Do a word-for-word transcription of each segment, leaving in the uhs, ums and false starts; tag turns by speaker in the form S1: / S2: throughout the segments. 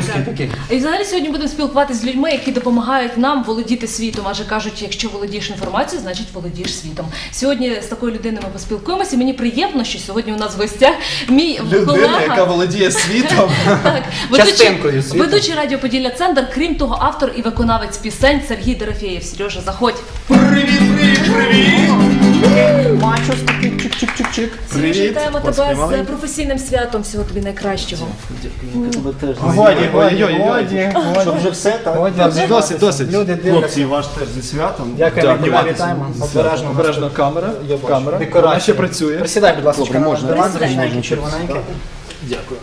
S1: Ковальський такий.
S2: І взагалі сьогодні будемо спілкуватися з людьми, які допомагають нам володіти світом. Адже кажуть, якщо володієш інформацією, значить володієш світом. Сьогодні з такою людиною ми поспілкуємося. Мені приємно, що сьогодні у нас в гостях мій
S3: Людина,
S2: колега.
S3: яка володіє світом.
S2: Так, ведучий,
S1: Частинкою світу.
S2: ведучий радіо Поділля Центр, крім того, автор і виконавець пісень Сергій Дорофєєв. Сережа, заходь.
S3: Привіт, привіт, привіт!
S1: Мачос такий чик-чик-чик-чик.
S2: Сережа,
S3: Привіт.
S2: вітаємо тебе
S1: Поспівали.
S2: з професійним святом. Всього тобі найкращого.
S1: Годі, годі,
S3: Ой-ой-ой.
S1: годі. Щоб вже все, так?
S3: Так, досить, досить.
S1: Люди дивляться.
S4: Хлопці, ваш теж зі святом.
S1: Дякуємо,
S3: Дякую.
S1: Діма, вітаємо. Обережно.
S3: Обережно камера.
S1: Я бачу.
S3: Камера.
S1: Декорація.
S3: Вона ще працює.
S1: Присідай, будь ласка, на ваш диван,
S2: Присідай.
S1: зручненький, червоненький.
S3: Дякую.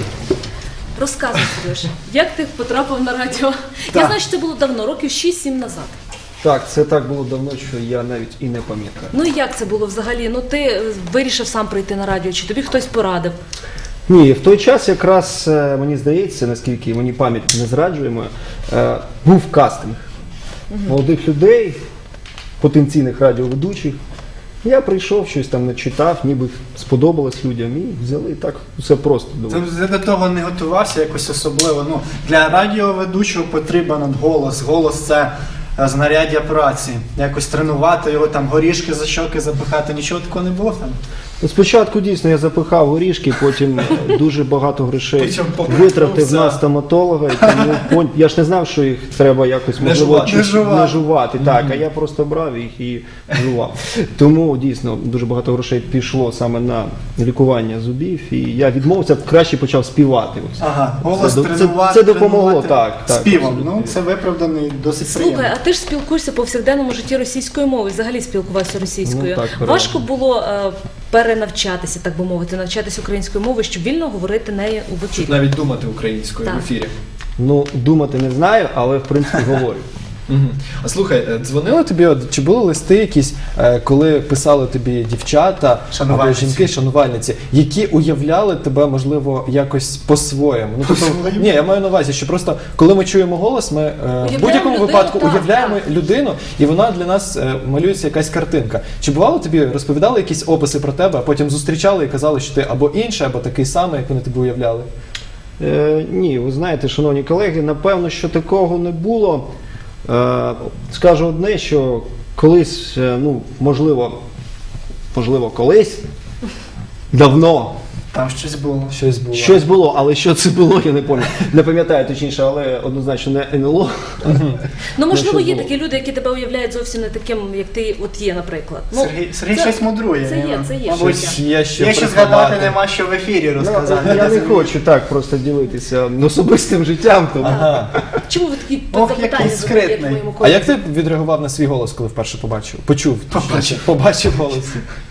S2: Розказуй, Сережа, як ти потрапив на радіо? Я знаю, що це було давно, років шість-сім назад.
S4: Так, це так було давно, що я навіть і не пам'ятаю.
S2: Ну і як це було взагалі? Ну ти е, вирішив сам прийти на радіо, чи тобі хтось порадив?
S4: Ні, в той час якраз е, мені здається, наскільки мені пам'ять не зраджує моя, е, був кастинг молодих людей, потенційних радіоведучих. Я прийшов, щось там начитав, ніби сподобалось людям і взяли так все просто.
S5: Ти до того не готувався якось особливо. Ну, для радіоведучого потрібен голос. Голос – це е, знаряддя праці. Якось тренувати його, там, горішки за щоки запихати. Нічого такого не було там?
S4: Ну, спочатку дійсно я запихав горішки, потім е, дуже багато грошей
S5: Причому
S4: витратив на
S5: повернувся.
S4: стоматолога. І тому пон- я ж не знав, що їх треба якось
S3: Не
S4: можливо
S3: жувати.
S4: чи-
S5: Не жувати.
S4: не жувати. Так, а я просто брав їх і жував. Тому дійсно дуже багато грошей пішло саме на лікування зубів, і я відмовився, краще почав співати. Ось.
S5: Ага, голос
S4: Це до- це-
S5: тренувати.
S4: це допомогло,
S5: тренувати
S4: так, так,
S5: Співом.
S4: абсолютно.
S5: Ну, це виправданий, досить
S2: Слухай,
S5: приємно.
S2: а ти ж спілкуєшся по повсякденному житті російською мовою, взагалі спілкувався російською.
S4: Ну, так, правда.
S2: Важко було е, перенавчатися, так би мовити, навчатися українською мовою, щоб вільно говорити нею у
S3: Щоб
S2: ефірі.
S3: навіть думати українською
S2: Так.
S3: в ефірі.
S4: Ну, думати не знаю, але в принципі говорю.
S3: Мгм. А слухай, е, дзвонили тобі, от, чи були листи якісь, е, коли писали тобі дівчата або
S5: Шанувальниці.
S3: жінки, шанувальниці, які уявляли тебе, можливо, якось по-своєму? Ну, тобто,
S5: По-своєму?
S3: ні, я маю на увазі, що просто коли ми чуємо голос, ми е, в будь-якому
S2: людину,
S3: випадку
S2: так,
S3: уявляємо
S2: так.
S3: людину, і вона для нас е, малюється якась картинка. Чи бувало тобі, розповідали якісь описи про тебе, а потім зустрічали і казали, що ти або інший, або такий самий, як вони тебе уявляли?
S4: Е, ні, ви знаєте, шановні колеги, напевно, що такого не було. Е, скажу одне, що колись, е, ну, можливо, можливо, колись, давно
S5: Там щось було.
S3: Щось було.
S4: щось було, але що це було, я не пам'ятаю. Не пам'ятаю точніше, але однозначно не ен ел о.
S2: Ну, можливо,
S4: що
S2: є
S4: було.
S2: такі люди, які тебе уявляють зовсім не таким, як ти от є, наприклад. Ну,
S5: Сергій, Сергій
S2: це-
S5: щось мудрує.
S2: це є,
S5: Ніна.
S2: це є
S5: Мабуть,
S2: щось.
S3: Щось є що
S5: Є що
S3: приховати.
S5: згадати, нема що в ефірі розказати.
S4: Ну, я не хочу так просто ділитися особистим життям. Тому.
S3: Ага.
S2: Чому ви такі
S5: Ох,
S2: запитання
S5: який
S2: задаєте
S5: скритний.
S2: моєму
S3: А
S2: колезі?
S3: як ти відреагував на свій голос, коли вперше побачив? Почув.
S5: Побачив.
S3: Побачив голос.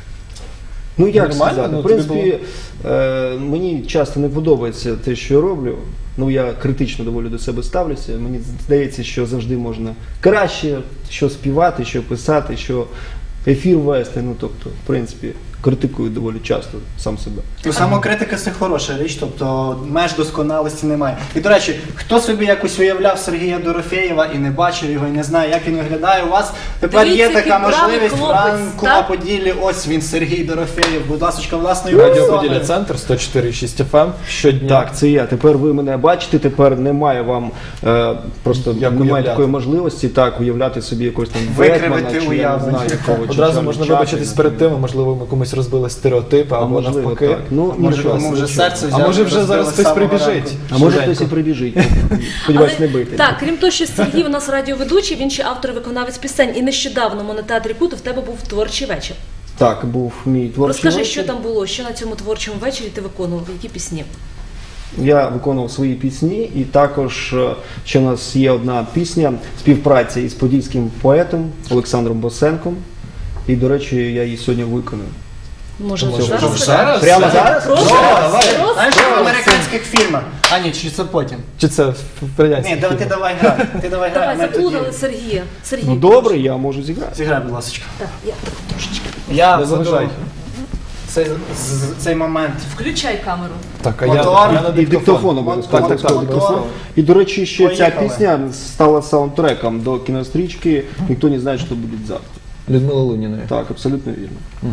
S4: Ну як
S3: Нормально?
S4: сказати,
S3: Ну,
S4: в
S3: тобі
S4: принципі, е, мені часто не подобається те, що я роблю. Ну я критично доволі до себе ставлюся. Мені здається, що завжди можна краще, що співати, що писати, що ефір вести. Ну тобто, в принципі, критикую доволі часто сам себе.
S5: Ну, самокритика – це хороша річ, тобто меж досконалості немає. І, до речі, хто собі якось уявляв Сергія Дорофєєва і не бачив його, і не знає, як він виглядає, у вас тепер
S2: Дивіться,
S5: є така
S2: який бравий
S5: можливість
S2: хлопець,
S5: ранку на
S2: так?
S5: Поділлі. Ось він, Сергій Дорофєєв, будь ласка, власною
S3: Радіо
S5: персоною.
S3: Поділля Центр сто чотири і шість еф ем щодня.
S4: Так, це я. Тепер ви мене бачите, тепер немає вам е, просто
S3: Як
S4: немає
S3: уявляти.
S4: такої можливості так уявляти собі якось там
S5: Викривити
S4: Бетмена, чи я не
S5: уявлення.
S4: знаю якого. чи
S3: Одразу
S4: Чарлі
S3: можна
S4: Чапліна,
S3: вибачитись
S4: чи-
S3: перед тим, а можливо ми комусь розбили стереотипи,
S4: А
S3: або
S4: можливо,
S3: навпаки.
S4: так. Ну,
S5: Може,
S4: нічого.
S5: кому вже серце
S3: А
S5: взяли,
S3: може вже
S5: розбили
S3: зараз
S5: з
S3: хтось
S5: самого
S3: прибіжить?
S5: ранку.
S4: А може
S3: Швиденько.
S4: хтось і прибіжить. Сподіваюсь, не бити.
S2: Так, крім того, що Сергій у нас радіоведучий, він ще автор і виконавець пісень. І нещодавно в монотеатрі Кут в тебе був творчий вечір.
S4: Так, був мій творчий
S2: Розкажи,
S4: вечір.
S2: що там було, що на цьому творчому вечорі ти виконував, які пісні?
S4: Я виконував свої пісні, і також е, ще у нас є одна пісня співпраця із подільським поетом Олександром Босенком. І, до речі, я її сьогодні виконую.
S2: Може,
S3: Може,
S2: зараз?
S3: вже зараз?
S4: Прямо зараз?
S2: Прошу,
S3: давай.
S2: просто.
S5: Знаєш, як в американських фільмах. А ні, чи це потім?
S3: Чи це в радянській?
S5: Ні, давай, ти давай грай. Ти давай грай, а
S2: Давай,
S5: ми тоді.
S2: заплутали Сергія. Сергій,
S4: Ну добре, я можу зіграти.
S5: Зіграй, будь ласка.
S2: Так, я так трошечки.
S5: Я
S3: Не заважай.
S5: цей, з- цей момент.
S2: Включай камеру.
S3: Так, а я,
S5: Мотор.
S3: я на
S4: І диктофон обов'язково.
S5: Так,
S4: Так,
S5: так,
S4: так,
S5: так.
S4: диктофон. І, до речі, ще ця
S5: Поїхали.
S4: пісня стала саундтреком до кінострічки «Ніхто не знає, що буде завтра».
S3: Людмила Луніної.
S4: Так, абсолютно вірно.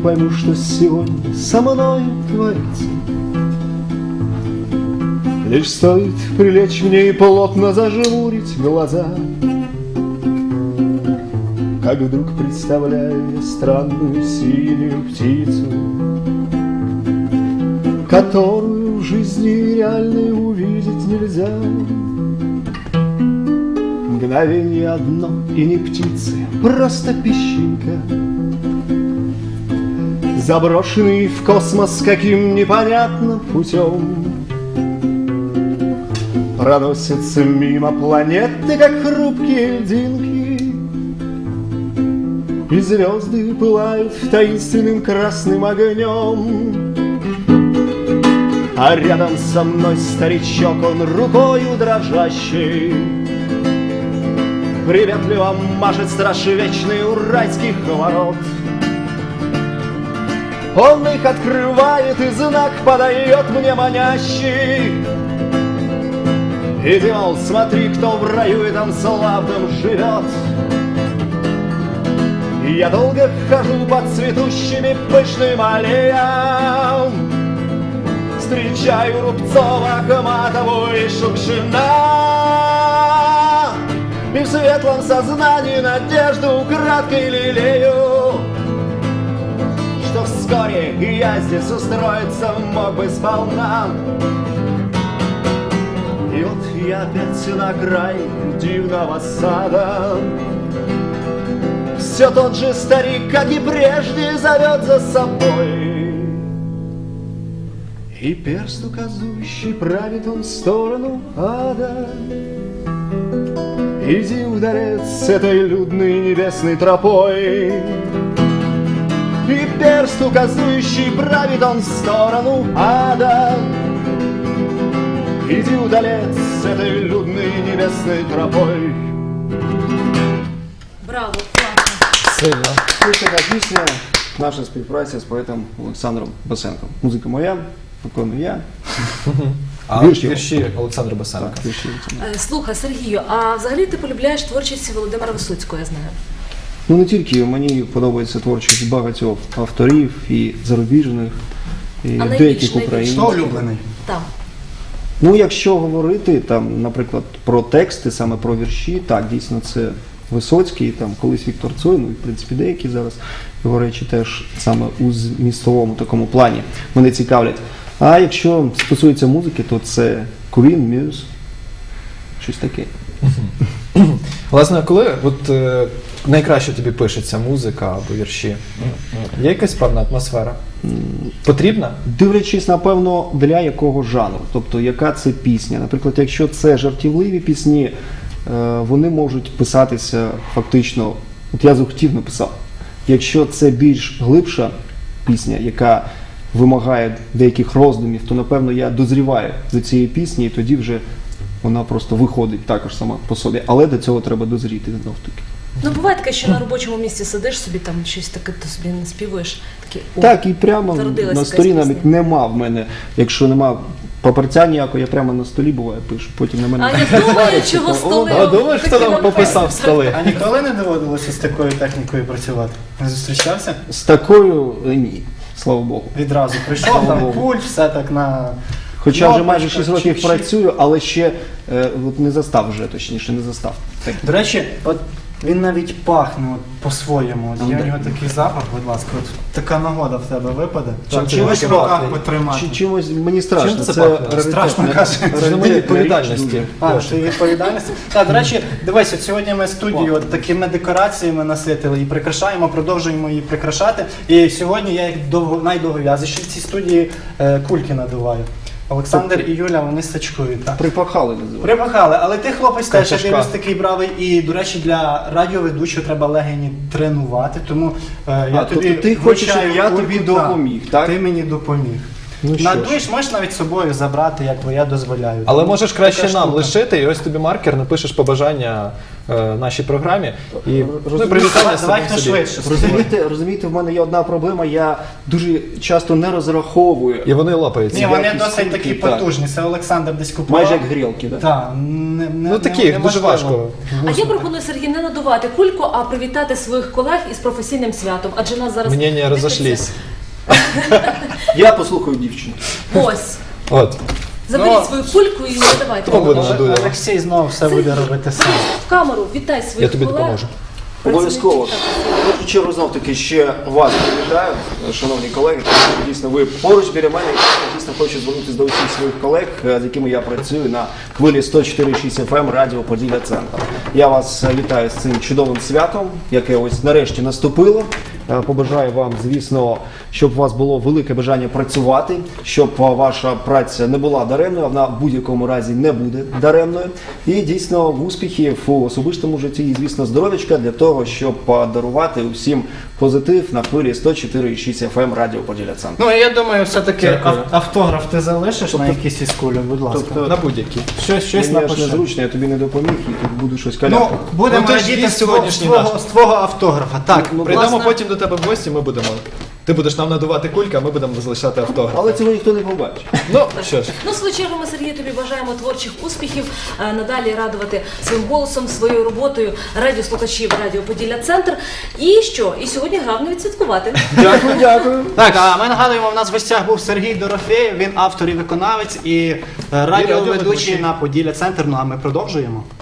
S4: пойму, что сегодня со мною творится. Лишь стоит прилечь мне и плотно зажмурить глаза, как вдруг представляю я странную синюю птицу, которую в жизни реальной увидеть нельзя. Мгновение одно и не птицы, просто песчинка, заброшенный в космос каким непонятным путем. Проносятся мимо планеты, как хрупкие льдинки, и звезды пылают таинственным красным огнем. А рядом со мной старичок, он рукою дрожащей приветливо машет страж вечный у райских ворот. Он их открывает и знак подает мне манящий. Иди, мол, смотри, кто в раю этом славном живет. И я долго хожу под цветущими пышным аллеям, встречаю Рубцова, Ахматову и Шукшина, и в светлом сознании надежду украдкой лелею, что вскоре и я здесь устроиться мог бы сполна. И вот я опять на край дивного сада, все тот же старик, как и прежде, зовет за собой. И перст указующий правит он в сторону ада. Иди, удалец, с этой людной небесной тропой. И перст указующий правит он в сторону ада. Иди, удалец, с этой людной небесной тропой.
S2: Браво, класно.
S3: Сильно.
S4: Ось така пісня, наша співпраця з поетом Олександром Басенком. Музика моя, виконую я.
S3: А
S4: Вірші.
S3: вірші Олександра Басенка.
S4: Так, вірші.
S2: Е, Слухай, Сергію, а взагалі ти полюбляєш творчість Володимира Висоцького, я знаю.
S4: Ну не тільки, мені подобається творчість багатьох авторів і зарубіжних, і
S2: А найбільш,
S4: деяких
S2: найбільш?
S4: українських.
S5: Хто улюблений?
S2: Там.
S4: Ну, якщо говорити там, наприклад, про тексти, саме про вірші, так, дійсно, це Висоцький, там колись Віктор Цой, ну і в принципі деякі зараз його речі теж саме у змістовому такому плані мене цікавлять. А якщо стосується музики, то це Queen, Muse, щось таке.
S3: Власне, коли от е, найкраще тобі пишеться музика або вірші, є якась певна атмосфера? Потрібна?
S4: Дивлячись, напевно, для якого жанру, тобто яка це пісня. Наприклад, якщо це жартівливі пісні, е, вони можуть писатися фактично, от я захотів написав. Якщо це більш глибша пісня, яка вимагає деяких роздумів, то, напевно, я дозріваю за цією піснею, і тоді вже вона просто виходить також сама по собі. Але до цього треба дозріти знов таки.
S2: Ну, буває таке, що на робочому місці сидиш собі, там щось таке, ти собі не співаєш. Такі, о,
S4: Так, і прямо
S2: зародилась
S4: на
S2: якась
S4: столі
S2: пісня.
S4: навіть нема в мене, якщо нема папірця ніякого, я прямо на столі буває пишу, потім на мене...
S2: А я думаю, чого столи.
S3: А думаєш, хто там пописав столи?
S5: А ніколи не доводилося з такою технікою працювати? Не зустрічався?
S4: З такою е, ні, слава Богу.
S5: Відразу прийшов, там пульт, все так на...
S4: Хоча вже майже
S5: кнопочках,
S4: шість років
S5: чик-чик.
S4: працюю, але ще е, от не застав вже, точніше, не застав. Так.
S5: До речі, от він навіть пахне от по-своєму. От є у нього такий запах, будь ласка, от така нагода в тебе випаде.
S3: Чим
S5: Чи
S3: ти
S5: чимось в
S3: таке
S5: руках
S3: пахне?
S5: потримати.
S4: Чи, чимось мені страшно,
S3: Чим це
S4: це
S3: пахне?
S4: раритетна-
S5: Страшно, каже.
S3: Це моє відповідальності.
S5: А, ти відповідальність? Так, до речі, дивись, от сьогодні ми студію от такими декораціями наситили і прикрашаємо, продовжуємо її прикрашати. І сьогодні я як довго, найдовгов'язіший в цій студії е, кульки надуваю. Олександр і Юля, вони сачкують. Так.
S4: Припахали називають.
S5: Припахали, але ти хлопець теж я
S3: Качашка.
S5: дивлюсь такий бравий. І, до речі, для радіоведучого треба легені тренувати, тому е, я
S4: А,
S5: тобі
S4: тобто ти хочеш,
S5: вручаю
S4: щоб я
S5: кульку,
S4: тобі
S5: так.
S4: допоміг, так?
S5: Ти мені допоміг.
S4: Ну що ж.
S5: Надуєш, можеш навіть з собою забрати, як я дозволяю.
S3: Але можеш краще
S5: Така
S3: нам
S5: штука.
S3: лишити, і ось тобі маркер, напишеш побажання е, нашій програмі. І ну, і
S4: розумієш,
S3: привітання
S5: Давай
S3: самим
S5: хто
S3: собі.
S5: швидше.
S4: Розумієте, розумієте, в мене є одна проблема, я дуже часто не розраховую.
S3: І вони лопаються.
S5: Ні, вони
S4: Якісь
S5: досить такі
S4: штуки, так.
S5: потужні. Це Олександр десь купував.
S4: Майже як грілки, так?
S5: Так, не, не,
S3: Ну такі,
S5: не,
S3: дуже важко.
S2: А я пропоную, Сергій, не надувати кульку, а привітати своїх колег із професійним святом. Адже нас зараз
S3: Мнення
S2: дивляться.
S3: розійшлись.
S4: Я послухаю дівчину.
S2: Ось.
S3: От.
S2: Заберіть
S5: Ну,
S2: свою кульку і не давайте.
S3: Хто буде
S2: Олег.
S3: надує?
S5: Олексій знову все буде робити сам.
S2: В камеру вітай своїх
S3: Я тобі
S2: колег.
S3: допоможу.
S4: Обов'язково.
S2: Працівників.
S4: В першу чергу знов таки ще вас привітаю, шановні колеги, тому що дійсно ви поруч біля мене. І дійсно хочу звернутися до усіх своїх колег, з якими я працюю на хвилі сто чотири шість еф ем Радіо Поділля Центр. Я вас вітаю з цим чудовим святом, яке ось нарешті наступило. Е, Побажаю вам, звісно, щоб у вас було велике бажання працювати, щоб е, ваша праця не була даремною, а вона в будь-якому разі не буде даремною. І дійсно успіхів у особистому житті і, звісно, здоров'ячка для того, щоб е, дарувати усім позитив на хвилі сто чотири шість еф ем Радіо Поділля Центр.
S5: Ну, я думаю, все-таки
S3: Дякую.
S5: ав- автограф ти залишиш на якійсь із кулі, будь ласка.
S4: Тобто,
S3: На будь-які.
S5: щось щось
S4: Мені аж
S5: напиши.
S4: незручно, я тобі не допоміг і тут буду щось
S5: Ну,
S4: каляти.
S5: будемо
S3: Ну, ти ж
S5: радіти
S3: гість
S5: з твого,
S3: сьогоднішній
S5: з твого,
S3: наш.
S5: з твого автографа. Так,
S4: Ну,
S3: Прийдемо
S2: Власне.
S3: потім до тебе в гості, ми будемо. Ти будеш нам надувати кульки, а ми будемо залишати автограф.
S4: Але цього ніхто не побачить.
S3: Ну, що ж.
S2: Ну, в свою чергу, ми, Сергію, тобі бажаємо творчих успіхів, е, надалі радувати своїм голосом, своєю роботою радіослухачів Радіо Поділля Центр. І що? І сьогодні грав не відсвяткувати.
S4: Дякую, дякую.
S5: Так, а ми нагадуємо, в нас в гостях був Сергій Дорофєєв, він автор і виконавець, і е, радіоведучий
S3: радіоведучий.
S5: на Поділля Центр. Ну а ми продовжуємо.